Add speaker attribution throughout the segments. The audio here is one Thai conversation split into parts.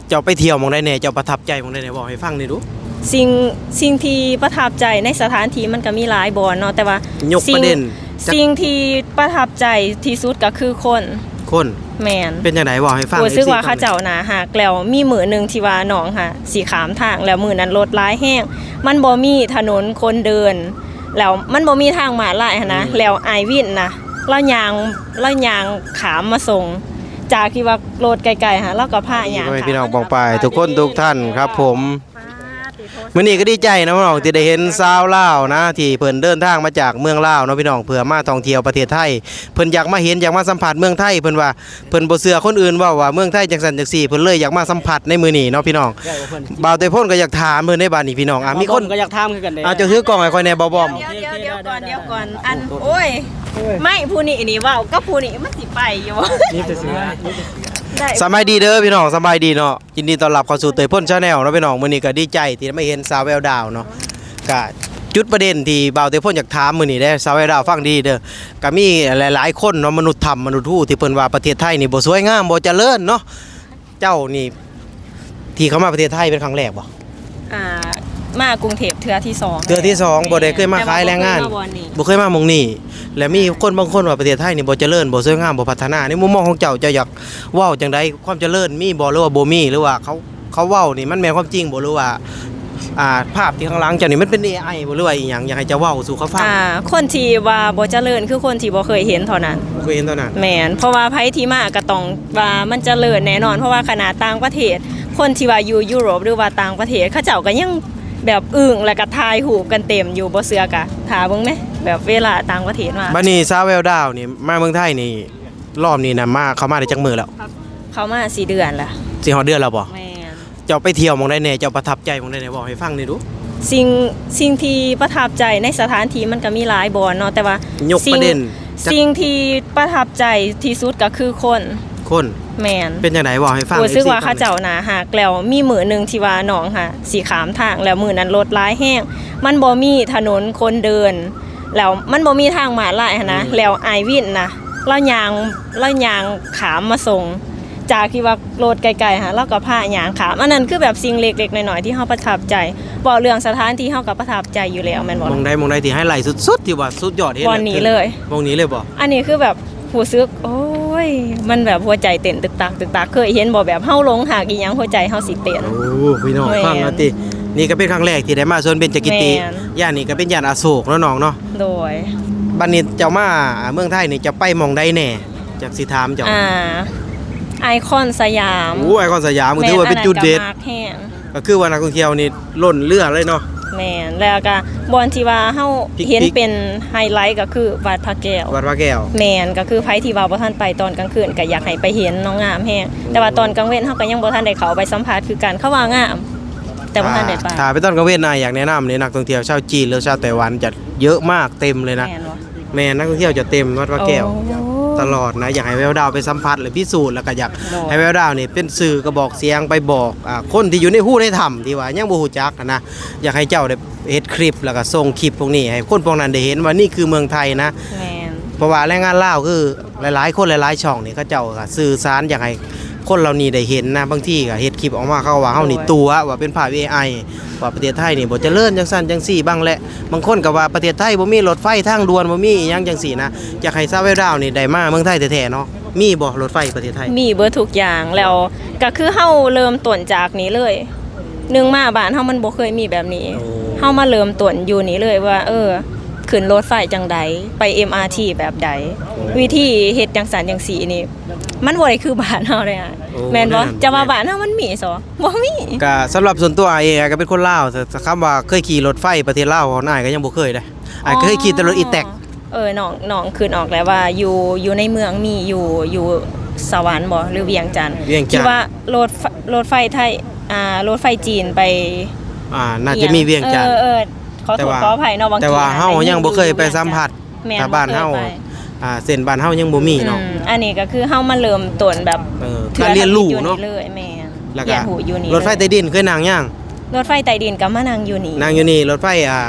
Speaker 1: เจ้าไปเที่ยวมองได้แน่เจ้าประทับใจมองได้แน่บอกให้ฟังหน่อยดู
Speaker 2: สิ่งที่ประทับใจในสถานที่มันก็มีหลายบ่เนาะแต่ว่าย
Speaker 1: กประเด็น
Speaker 2: สิ่งที่ประทับใจที่สุดก็คือคนแม่น
Speaker 1: เป็นจังได๋บอกให้ฟัง
Speaker 2: รู้สึกว่าเขาเจ้าน่าฮักแล้วมีมื้อนึงที่ว่าน้องค่ะสิขามทางแล้วมื้อนั้นรถหลายแฮงมันบ่มีถนนคนเดินแล้วมันบ่มีทางม้าลายนะแล้วอ้ายวินนะเราย่างขามมาส่งจากที่ว่ารถไกลๆฮะเราก็พาย่างขาม
Speaker 1: พี่น้องปองปายทุกคนทุกท่านครับผมมื้อนี้ก็ดีใจนะพี่น้องที่ได้เห็นชาวลาวนะที่เพิ่นเดินทางมาจากเมืองลาวเนาะพี่น้องเพื่อมาท่องเที่ยวประเทศไทยเพิ่นอยากมาเห็นอยากมาสัมผัสเมืองไทยเพิ่นว่าเพิ่นบ่เชื่อคนอื่นว่าเมืองไทยจังซั่นจังซี่เพิ่นเลยอยากมาสัมผัสในมื้อนี้เนาะพี่น้องบ่าวแต่พ่นก็อยากถามเพิ่นในบ้านนี้พี่น้องมีคน
Speaker 3: ก็อยากถามคือกันเด้
Speaker 1: เจ้าถือกล้องให้ค่อยแน่บ่บอม
Speaker 2: เดี๋ยวก่อนอันโอ้ยไม่ผู้นี้นี่ว้าวก็ผู้นี้มันสิไปอยู่
Speaker 3: นี่จะซื้อ
Speaker 1: สบายดีเด้อพี่น้องสบายดีเนาะยินดีต้อนรับเข้าสู่เตยพ่นชาแนลเนาะพี่น้องมื้อนี้ก็ดีใจที่ได้มาเห็นสาวแววดาวเนาะก็จุดประเด็นที่บ่าวเตยพ่นอยากถามมื้อนี้ได้สาวแววดาวฟังดีเด้อก็มีหลายๆคนเนาะมนุษย์ธรรมมนุษย์ทู่ที่เพิ่นว่าประเทศไทยนี่บ่สวยงามบ่เจริญเนาะเจ้านี่ที่เข้ามาประเทศไทยเป็นครั้งแรกบ่
Speaker 2: มากรุงเทพเทื่อที่2
Speaker 1: บ่ได้เคยมาขายแรงงานบ่เคยมาหม้องนี้และมีคนบางคนว่าประเทศไทยนี่บ่เจริญบ่สวยงามบ่พัฒนาในมุมมองของเจ้าอยากเว้าจังได๋ความเจริญมีบ่หรือว่าบ่มีหรือว่าเขาเว้านี่มันแม่นความจริงบ่หรือว่าภาพที่ข้างหลังเจ้านี่มันเป็น AI บ่หรือว่าอีหยังอยากให้เจ้าเว้าสู่เขาฟัง
Speaker 2: คนที่ว่าบ่เจริญคือคนที่บ่เคยเห็นเท่านั้นแม่นเพราะว่าไผที่มาก็ต้องว่ามันเจริญแน่นอนเพราะว่าขนาดต่างประเทศคนที่ว่าอยู่ยุโรปหรือว่าต่างประเทศเขาเจ้าก็ยังแบบอึ้งแล้วก็ถ่ายรูปกันเต็มอยู่บ่เชื่อกะถาเบิ่งแหมแบบเวลาต่างประเทศมา
Speaker 1: บัดนี้สาวแววดาวนี่มาเมืองไทยนี่รอบนี้น่ะเข้ามาได้จักมื้อแล้ว
Speaker 2: เข้ามา4 เดือนแล้ว
Speaker 1: สิฮอดเดือนแล้วบ่
Speaker 2: แม่น
Speaker 1: เจ้าไปเที่ยวมองได้แน่เจ้าประทับใจมองได้แน่บอกให้ฟังหน่อยดู
Speaker 2: สิ่งที่ประทับใจในสถานที่มันก็มีหลายบ่เนาะแต่ว่าย
Speaker 1: กประเด็น
Speaker 2: สิ่งที่ประทับใจที่สุดก็คือคนแม่น
Speaker 1: เป็นจังได๋บอกให้ฟัง
Speaker 2: รู้สึกว่าเขาเจ้าน่าฮักแล้วมีมื้อนึงที่ว่าน้องค่ะสิขามทางแล้วมื้อนั้นรถหลายแฮงมันบ่มีถนนคนเดินแล้วมันบ่มีทางม้าลายนะแล้วอ้ายวินนะเราย่างขามมาส่งจากที่ว่ารถไกลๆเราก็พาย่างขามอันนั้นคือแบบสิ่งเล็กๆน้อยๆที่เฮาประทับใจบ่เรื่องสถานที่เฮาก็ประทับใจอยู่แล้วแม่นบ่
Speaker 1: มองได้ที่ไฮไลท์สุดๆที่ว่าสุดยอดเห็น
Speaker 2: วันนี้เลย
Speaker 1: มองนี้เลยบ่
Speaker 2: อันนี้คือแบบรู้สึกโอ้ยมันแบบหัวใจเต้นตึกตักเคยเห็นบ่แบบเฮาหลงหักอีหยังหัวใจเฮาสิเต้น
Speaker 1: โอ้พี่น้องฟังแล้วตินี่ก็เป็นครั้งแรกที่ได้มาสวนเบญจกิติย่านนี้ก็เป็นย่านอโศกเนาะน้องเนาะ
Speaker 2: โดย
Speaker 1: บัดนี้เจ้ามาเมืองไทยนี่จะไปมองใดแน่จักสิถามเจ้า
Speaker 2: ไอคอนสยาม
Speaker 1: ไอคอนสยามถือว่าเป็นจุดเด่นก็คือว่านักท่องเที่ยวนี่ล้นเรือเลยเนาะ
Speaker 2: แม่นแล้วก็บอนที่ว่าเฮาเห็นเป็นไฮไลท์ก็คือวัดพระแก้วแม่นก็คือไผที่ว่าบ่ทันไปตอนกลางคืนก็อยากให้ไปเห็นน้องงามแฮงแต่ว่าตอนกลางเว้นเฮาก็ยังบ่ทันได้เข้าไปสัมภาษณ์คือกันเขาว่างามแต่บ่ทันได้ไป
Speaker 1: ถ้าไปตอนกลางเว้นอยากแนะนำเลยนักท่องเที่ยวชาวจีนหรือชาวไต้หวันจะเยอะมากเต็มเลยนะแม่นักท่องเที่ยวจะเต็มวัดพระแก้วตลอดนะอยากให้แววดาวไปสัมผัสหรือพิสูจน์แล้วก็อยากให้แววดาวนี่เป็นสื่อกระบอกเสียงไปบอกคนที่อยู่ในหู้ในถ้ำที่ว่ายังบ่ฮู้จักนะอยากให้เจ้าได้เฮ็ดคลิปแล้วก็ส่งคลิปพวกนี้ให้คนพวกนั้นได้เห็นว่านี่คือเมืองไทยนะเพราะว่าแรงงานลาวคือหลายๆคนหลายๆช่องนี่เขาเจ้าก็สื่อสารอยากให้คนเหล่านี้ได้เห็นนะบางทีก็เฮ็ดคลิปออกมาเขาว่าเฮานี่ตัวว่าเป็นภาพ AI ว่าประเทศไทยนี่บ่เจริญจังซั่นจังซี่บ้างแหละบางคนก็ว่าประเทศไทยบ่มีรถไฟทางด่วนบ่มีอีหยังจังซี่นะอยากให้ซาเวลดาวนี่ได้มาเมืองไทยแท้ๆเนาะมีบ่รถไฟประเทศไทย
Speaker 2: มีเบิดทุกอย่างแล้วก็คือเฮาเริ่มต้นจากนี้เลยนึงมาบ้านเฮามันบ่เคยมีแบบนี้เฮามาเริ่มต้นอยู่นี่เลยว่าขึ้นรถไฟจังใดไป MRT แบบใดวิธีเฮ็ดจังซั่นจังซี่นี่มันบ่ได้คือบ้านเฮาเลยอ่ะแม่นบ่จะว่าบ้านเฮามันมีซอบ่มี
Speaker 1: ก็สำหรับส่วนตัวเองก็เป็นคนลาวแต่คำว่าเคยขี่รถไฟประเทศลาวของนายก็ยังบ่เคยได้เคยขี่แต่รถอีแท็ก
Speaker 2: น้องขึ้นออกแล้วว่าอยู่ในเมืองมีอยู่สวรรค์บ่หรือเวียงจันทน์คิดว่ารถไฟไทยรถไฟจีนไป
Speaker 1: น่าจะมีเวียงจันทน์
Speaker 2: ขอโทษขออภัยเนาะบางที
Speaker 1: แต่ว่าเฮายังบ่เคยไปสัมผัสถ้าบ้านเฮาเส้นบ้านเฮายังบ่มีเนาะ
Speaker 2: อันนี้ก็คือเฮามาเริ่มต้นแบบ
Speaker 1: การเรียนรู้เนาะ
Speaker 2: แม่น
Speaker 1: แล้วก็รถไฟใต้ดินเคยนั่งยัง
Speaker 2: รถไฟใต้ดินก็มานั่งอยู่นี่
Speaker 1: รถไฟ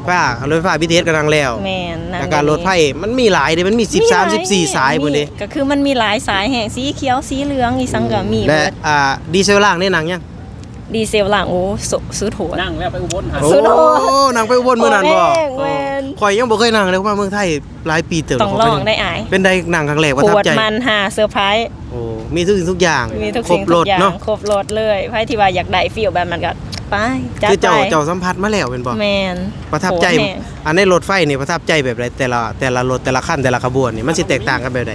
Speaker 1: ฟ้ารถไฟฟ้า BTS กำลังแล้ว
Speaker 2: แม่นนั่น
Speaker 1: แล้วก็รถไฟมันมีหลายเด้มันมี13 14สายพุ่นเด้
Speaker 2: ก็คือมันมีหลายสายแห่งสีเขียวสีเหลืองอีสังก็มี
Speaker 1: และ
Speaker 2: เบิด
Speaker 1: ดีเซลล่างนี่หนังยัง
Speaker 2: ดีเซลหลังโอ้ซื้อโถ
Speaker 3: นั่งแล้วไปอุบลหา
Speaker 1: โอ้
Speaker 2: สุดโหด
Speaker 1: หนังไปอุบลมื้อนั้นบ่
Speaker 2: แม่น
Speaker 1: ข่อยยังบ่เคยนั่งเลยเพราะว่าเมืองไทยหลายปีเติบ
Speaker 2: ต้องลองได้อาย
Speaker 1: เป็นได้หนังครั้งแรกประ
Speaker 2: ป
Speaker 1: ทับ
Speaker 2: วด
Speaker 1: ใจ
Speaker 2: มันหาเซอร์ไพรส์
Speaker 1: โอ้มีทุกสิ่งทุกอย่าง
Speaker 2: มีทุก
Speaker 1: คร
Speaker 2: สิ่
Speaker 1: บ
Speaker 2: ง
Speaker 1: ร
Speaker 2: ทุ
Speaker 1: ถ
Speaker 2: กอย่าง
Speaker 1: เนาะ
Speaker 2: ครบรถเลยไผที่ว่าอยากได้ฟีลแบบมันก็ไปจัด
Speaker 1: คือ
Speaker 2: ไป
Speaker 1: เจ้าสัมผัสมาแล้วเป็นบ่
Speaker 2: แม่น
Speaker 1: ประทับใจ
Speaker 2: โหดแฮง
Speaker 1: อันในรถไฟนี่ประทับใจแบบไรแต่ละรถแต่ละขั้นแต่ละขบวนนี่มันสิแตกต่างกันแบบใด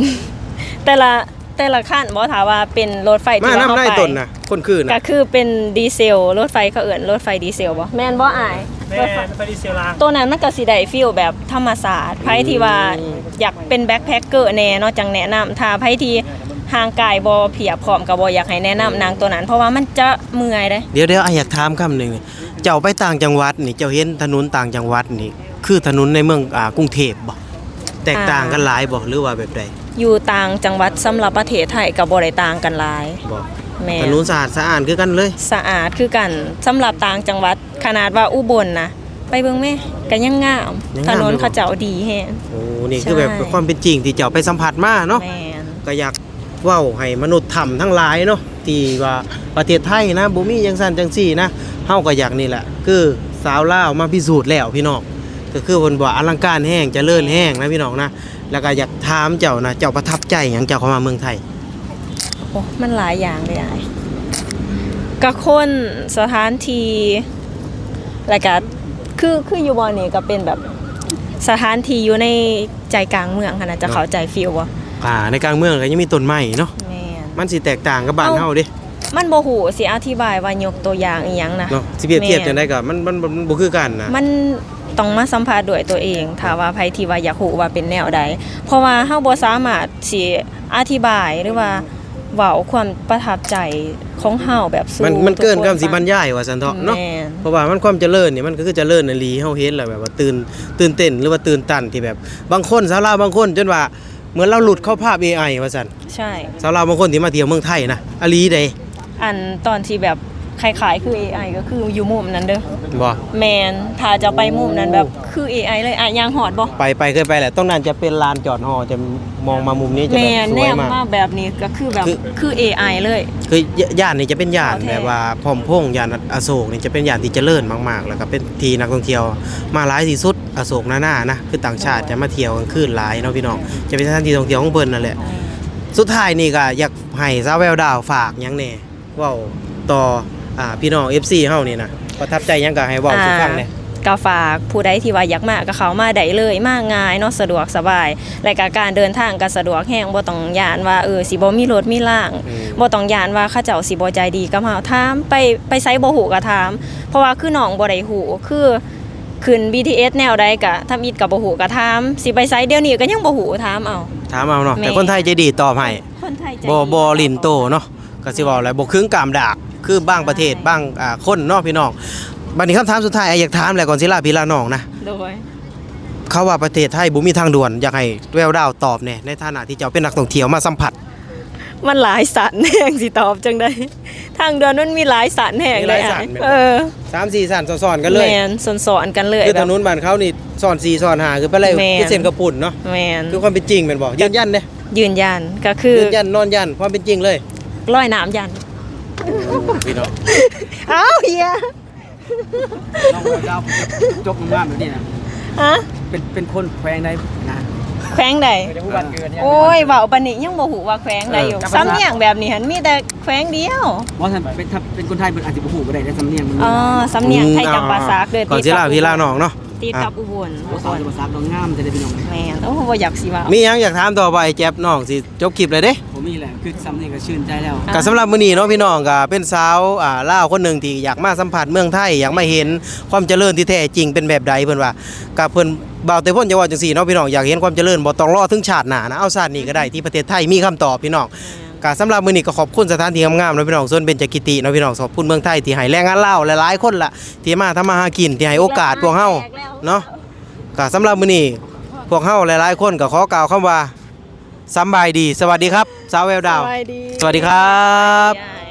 Speaker 2: แต่ละขั้นบ่ถามว่าเป็นรถไฟ
Speaker 1: มา
Speaker 2: ที่ว่า
Speaker 1: นำ
Speaker 2: เฮา
Speaker 1: ได้
Speaker 2: ไป
Speaker 1: ต้นน่ะคนคือ
Speaker 2: ก็
Speaker 1: น่ะ
Speaker 2: คือเป็นดีเซลรถไฟเขาเอิ้นรถไฟดีเซลบ่แม่นบ่อาย
Speaker 3: แม่
Speaker 2: รถไฟ
Speaker 3: ไปดีเซลลาง
Speaker 2: ตัวนั้นมันก็สิได้ฟีลแบบธรรมศาสตร์ไผที่ว่าอยากเป็นแบ็คแพคเกอร์แน่เนาะจังแนะนำถ้าไผที่ห่างกายบ่เพียบพร้อมก็บ่อยากให้แนะนำนางตัวนั้น เพราะว่ามันจะเมื่อยเด้
Speaker 1: เดี๋ยวอยากถามคำหนึงเจ้าไปต่างจังหวัดนี่เจ้าเห็นถนนต่างจังหวัดนี่คือถนนในเมืองกรุงเทพบ่แตกต่างกันหลายบ่หรือว่าแบบใด
Speaker 2: อยู่ต่างจังหวัดสำหรับประเทศไทยก็บ่ได้ต่างกันหลาย
Speaker 1: บ่
Speaker 2: แม่
Speaker 1: ถนนสะอาดสะอาดคือกันเลย
Speaker 2: สะอาดคือกันสำหรับต่างจังหวัดขนาดว่าอุบลนะไปเบิ่งแม่ก็ยังงาม
Speaker 1: ยัง
Speaker 2: ถ
Speaker 1: งาม
Speaker 2: นน
Speaker 1: อยู่บ่
Speaker 2: เขาเจ้าดีแฮง
Speaker 1: โอ้นี่คือ
Speaker 2: ใช่
Speaker 1: แบบความเป็นจริงที่เจ้าไปสัมผัสมาเนาะ
Speaker 2: แม่น
Speaker 1: ก็อยากเว้าให้มนุษย์ทำทั้งหลายเนาะที่ว่าประเทศไทยนะบ่มีจังซั่นจังซี่นะเฮาก็อยากนี่แหละคือสาวลาวมาพิสูจน์แล้วพี่น้องก็คือเพิ่นว่าอลังการแห้งเจริญแห้งนะพี่น้องนะแล้วก็อยากถามเจ้านะเจ้าประทับใจหยังเจ้าเข้ามาเมืองไทย
Speaker 2: โอ้มันหลายอย่างเลยอ้ายก็คนสถานที่แล้วก็คืออยู่บ่นี่ก็เป็นแบบสถานที่อยู่ในใจกลางเมืองหั่นน่ะจะเข้าใจฟีลบ่
Speaker 1: ในกลางเมืองก็ยังมีต้นไม้เนาะ
Speaker 2: แม่น
Speaker 1: มันสิแตกต่างกับบ้านเฮาเด้
Speaker 2: มันบ่ฮู้สิอธิบายว่ายกตัวอย่างอีหยังนะ
Speaker 1: เนาะสิเปรียบเทียบ
Speaker 2: แม่
Speaker 1: จังได๋ก็มันบ่คือกันนะ
Speaker 2: มันต้องมาสัมภาษณ์ด้วยตัวเองถ้าว่าไผที่ว่าอยากรู้ว่าเป็นแนวใดเพราะว่าเฮาบ่สามารถสิอธิบายหรือว่าเว้าความประทับใจของเฮาแบบสู่
Speaker 1: มันเกิน
Speaker 2: ทุ
Speaker 1: คำสิบรรยายว่าซั่นเถาะเนาะ
Speaker 2: แม่น
Speaker 1: เพราะว่ามันความเจริญนี่มันก็คือเจริญอีหลีเฮาเห็นแล้วแบบว่าตื่นเต้นหรือว่าตื่นตันที่แบบบางคนสาวลาวบางคนจนว่าเหมือนเราหลุดเข้าภาพ AI ว่าซั่น
Speaker 2: ใช่
Speaker 1: สาวลาวบางคนที่มาเที่ยวเมืองไทยนะอีหลีเด้
Speaker 2: อันตอนที่แบบคล้ายๆคือ AI ก็คืออยู่มุมนั้นเด้อ
Speaker 1: บ่
Speaker 2: แมนถ้าจะไปมุมนั้นแบบคือ AI เลยอ่ะยางหอดบ่
Speaker 1: ไปเคยไปแหละตรงนั้นจะเป็นลานจอดฮอจะมองมามุมนี้จะ
Speaker 2: แม
Speaker 1: แบบ
Speaker 2: น
Speaker 1: ส
Speaker 2: แน
Speaker 1: วย
Speaker 2: ม
Speaker 1: มาก
Speaker 2: มาแบบนี้ก็คือแบบ
Speaker 1: คือ
Speaker 2: คือ AI เลย
Speaker 1: คือย่านนี่จะเป็นย่าน
Speaker 2: เอาแท้
Speaker 1: แบบว่าพร้อมพงษ์ย่านอโศกนี่จะเป็นย่านที่เจริญมากๆ แล้วก็เป็นที่นักท่องเที่ยวมาหลายที่สุดอโศกหน้าๆนะคือต่างชาติจะมาเที่ยวกลางคืนหลายเนาะพี่น้องจะเป็นสถานที่ท่องเที่ยวของเพิ่นนั่นแหละสุดท้ายนี่ก็อยากให้สาวแววดาวฝากหยังแหน่เว้าต่อพี่น้อง FC เฮานี่นะประทับใจหยังก็ให้เว้าสู่ฟังแหน่
Speaker 2: ก็ฝากผู้ใดที่ว่าอยากมาก็เข้ามาได้เลยมาง่ายเนาะสะดวกสบาย และก็การเดินทางก็สะดวกแฮงบ่ต้องย่านว่าสิบ่มีรถมีล่าง
Speaker 1: อืม
Speaker 2: บ่ต้องย่านว่าเขาเจ้าสิบ่ใจดีกับเฮาถามไปไสบ่ฮู้ก็ถาม เพราะว่าคือน้องบ่ได้ฮู้คือขึ้น BTS แนวใดก็ทำอิดก็บ่ฮู้ก็ถามสิไปไสเดี๋ยวนี้ก็ยังบ่ฮู้ถามเอา
Speaker 1: ถามเอาเนาะ
Speaker 2: แม่
Speaker 1: แต่คนไทยใจดีตอบให้
Speaker 2: คนไทยใจ
Speaker 1: บ่ลินโตเนาะก็สิเว้าอะไรบ่ครึ่งกามดากคือบางประเทศบางคนเนาะพี่น้องบัดนี้คำถามสุดท้ายอยากถามแหละก่อนสิลาพี่ลาน้องนะ
Speaker 2: โดย
Speaker 1: เขาว่าประเทศไทยบ่มีทางด่วนอยากให้แววดาวตอบแหน่ในฐานะที่เจ้าเป็นนักท่องเที่ยวมาสัมผัส
Speaker 2: มันหลายสันแห่งสิตอบจังได๋ทางเดินมันมีหลายสันแห่งเลย
Speaker 1: มีหลายสั
Speaker 2: อ่ะ
Speaker 1: นแม่นบ่
Speaker 2: เออ
Speaker 1: 3-4สั่นซ้อนๆกันเลย
Speaker 2: แม่นสอนๆกันเลย
Speaker 1: คือ
Speaker 2: แบ
Speaker 1: ถ
Speaker 2: บ
Speaker 1: นนบ้านเขานี่ซ้อน4ซ้อน5คือไปเลย
Speaker 2: แม่น
Speaker 1: คือเส้นกระปุ่นเนาะ
Speaker 2: แม่น
Speaker 1: คือความเป็นจริงแม่นบ่ยืนยันเด้
Speaker 2: ยืนยันก็คือ
Speaker 1: ยืนยันนอนยันความเป็นจริงเลย
Speaker 2: ร้อยน้ำยัน
Speaker 1: พี่น้อง
Speaker 2: เอ้าเฮีย
Speaker 3: น้องดาวจบงามแบบนี้นะ
Speaker 2: ฮะ
Speaker 3: เป็นคนแขวงได้นะ
Speaker 2: แขวงใด
Speaker 3: จะพูดวันเกิดเนี่ย
Speaker 2: โอ้ยเว้าปานนี้ยังบ่ฮู้ว่าแขวงใดอยู่ซ้ำเนียงแบบนี้หันมีแต่แขวงเดียว
Speaker 3: ว่าถ้าเป็นคนไทยมันอาจจะบ่ฮู้ก็ได้แต่สำเนียงมัน
Speaker 2: อ๋อสำเนียงไทยจำปาสักเด้อ
Speaker 1: ก่อนสิลาพี่ลาน้องเนาะ
Speaker 2: ติดกับอุบล
Speaker 3: บ่สอนภาษาดองงามจะได้พี่น้อง
Speaker 2: แม่นโอ้บ่อยากสิว่า
Speaker 1: มีหยังอยากถามต่อไปแจ๊บน้องสิจบคลิปเลยเด้
Speaker 3: ผมมีแหละคือสำเนียงก็ชื่นใจแล้ว
Speaker 1: ก็สำหรับมื้อนี้เนาะพี่น้องก็เป็นสาวลาวคนหนึ่งที่อยากมาสัมผัสเมืองไทยอยากมาเห็นความเจริญที่แท้จริงเป็นแบบใดเพิ่นว่ากับเพิ่นบ่าวแต่พ่นจะว่าจังซี่เนาะพี่น้องอยากเห็นความเจริญบ่ต้องรอถึงชาติหน้านะเอาชาตินี้ก็ได้ที่ประเทศไทยมีคำตอบพี่น้องก็สำหรับมื้อนี้ก็ขอบคุณสถานที่งามๆเนาะพี่น้องส่วนเบญจกิติเนาะพี่น้องขอบคุณเมืองไทยที่ให้แรงงานลาวหลายๆคนล่ะที่มาทำมาหากินที่ให้โอกาสพวกเฮาเนาะก็สำหรับมื้อนี้พวกเฮาหลายๆคนก็ขอกล่าวคำว่าสำบายดีสวัสดีครับสาวแววดาว
Speaker 2: สวัสดี
Speaker 1: สวัสดีครับ
Speaker 2: ยาย